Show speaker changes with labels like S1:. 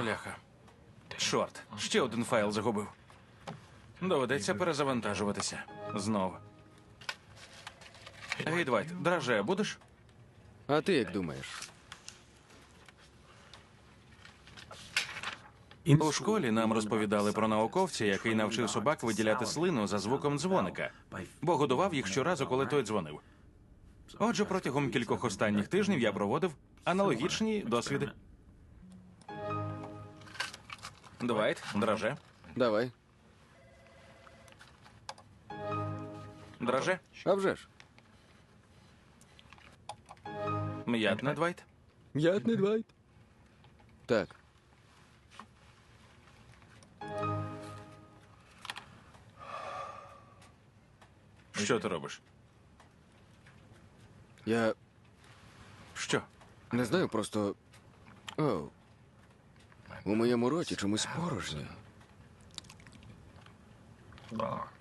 S1: Бляха. Чорт, ще один файл загубив. Доведеться перезавантажуватися. Знов. Гей, Двайт, драже будеш?
S2: А ти як думаєш?
S1: У школі нам розповідали про науковця, який навчив собак виділяти слину за звуком дзвоника, бо годував їх щоразу, коли той дзвонив. Отже, протягом кількох останніх тижнів я проводив аналогічні досвіди. Двайт, драже.
S2: Давай.
S1: Драже.
S2: А вже ж.
S1: М'ятне, Двайт.
S2: М'ятний Двайт. Так.
S1: Що ти робиш?
S2: Я
S1: Що?
S2: не знаю, просто... Оу. У моєму роті чомусь порожньо.